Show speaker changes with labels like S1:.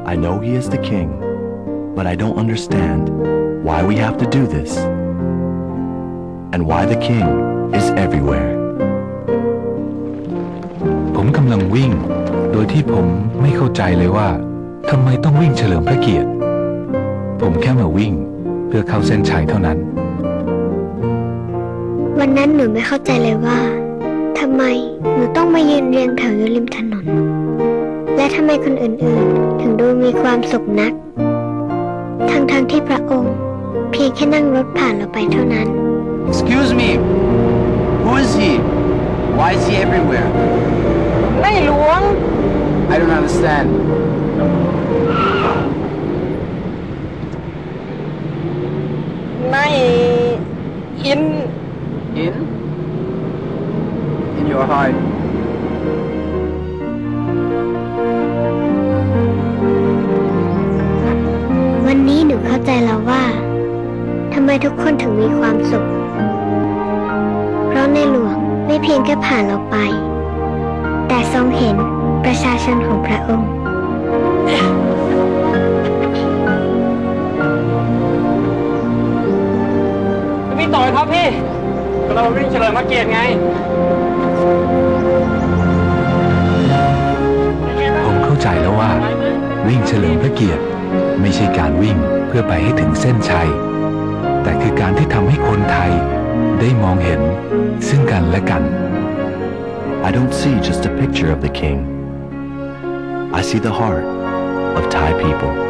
S1: I know he is the king, but I don't understand why we have to do this and why the king is everywhere.
S2: ผมกำลังวิ่งโดยที่ผมไม่เข้าใจเลยว่าทำไมต้องวิ่งเฉลิมพระเกียรติผมแค่มาวิ่งเพื่อเข้าเส้นชัยเท่านั้น
S3: วันนั้นหนูไม่เข้าใจเลยว่าทำไมหนูต้องมายืนเรียงแถวอยู่ริมถนนและทำไมคนอื่นๆถึงดูมีความสุขนักทั้งที่พระองค์เพียงแค่นั่งรถผ่านเราไปเท่านั้น
S4: Excuse me, who is he? Why is he everywhere?
S5: ในหลวง
S4: I don't understand.
S5: ในอิน
S4: In? In your heart.
S3: วันนี้หนูเข้าใจแล้วว่าทำไมทุกคนถึงมีความสุขเพราะในหลวงไม่เพียงแค่ผ่านเราไปแต่ทรงเห็นประชาชนของพระองค์
S5: พี่ต่อยครับพี่เราวิ่งเฉลิมพระเกียรติไง
S2: ผมเข้าใจแล้วว่าวิ่งเฉลิมพระเกียรติไม่ใช่การวิ่งเพื่อไปให้ถึงเส้นชัยแต่คือการที่ทำให้คนไทยได้มองเห็นซึ่งกันและกัน
S1: I don't see just a picture of the king. I see the heart of Thai people.